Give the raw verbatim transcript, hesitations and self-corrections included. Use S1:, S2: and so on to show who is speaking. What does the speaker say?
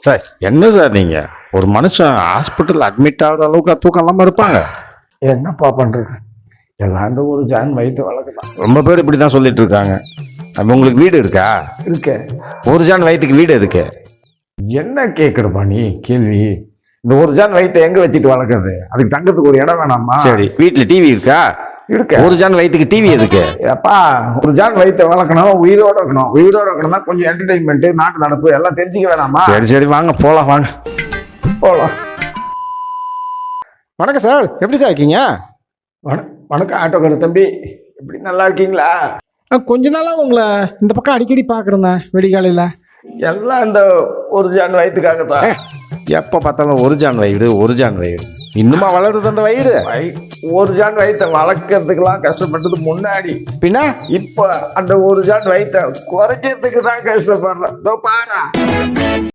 S1: Sir என்ன sir நீங்க ஒரு மனுஷன் ஹாஸ்பிட்டல் அட்மிட் ஆகிற அளவுக்கு தூக்கம் இல்லாமல் இருப்பாங்க.
S2: என்னப்பா பண்றது, எல்லாம் இந்த ஒரு ஜான் வயிற்று வளர்க்கலாம்.
S1: ரொம்ப பேர் இப்படி தான் சொல்லிட்டு இருக்காங்க. அப்ப உங்களுக்கு வீடு இருக்கா?
S2: இருக்க.
S1: ஒரு ஜான் வயிற்றுக்கு வீடு எதுக்கு?
S2: என்ன கேட்குறப்பா நீ கேள்வி? இந்த ஒரு ஜான் வயிற்றை எங்க வச்சுட்டு வளர்க்குறது? அதுக்கு தங்கத்துக்கு ஒரு இடம் வேணாமா?
S1: சரி, வீட்டில் டிவி இருக்கா?
S2: இருக்க.
S1: ஒரு ஜான் வயிற்றுக்கு டிவி எதுக்கு?
S2: அப்பா ஒரு ஜான் வயிற்றை வளர்க்கணும், உயிரோட இருக்கணும். உயிரோட இருக்கணும்னா கொஞ்சம் என்டர்டைன்மெண்ட், நாட்டு நடப்பு எல்லாம் தெரிஞ்சுக்க வேணாமா?
S1: சரி சரி வாங்க போலாம் வாங்க
S2: போகலாம்.
S1: வணக்கம் சார், எப்படி சார் இருக்கீங்க?
S2: வண- வணக்கம் ஆட்டோக்கார தம்பி, எப்படி நல்லா இருக்கீங்களா?
S1: கொஞ்ச நாளாக உங்களை இந்த பக்கம் அடிக்கடி பார்க்குறேன் வெடிகாலையில்.
S2: எல்லாம் இந்த ஒரு ஜான் வயிற்றுக்காகத்தான்.
S1: எப்போ பார்த்தாலும் ஒரு ஜான் வயிறு ஒரு ஜான் வயிறு இன்னுமா வளருது அந்த வயிறு?
S2: வயி- ஒரு ஜான் வயிற்றை வளர்க்கறதுக்கெல்லாம் கஷ்டப்பட்டது முன்னாடி.
S1: பின்ன
S2: இப்ப அந்த ஒரு ஜான் வயிற்றை குறைக்கிறதுக்கு தான் கஷ்டப்படுறேன். இதோ பாரு.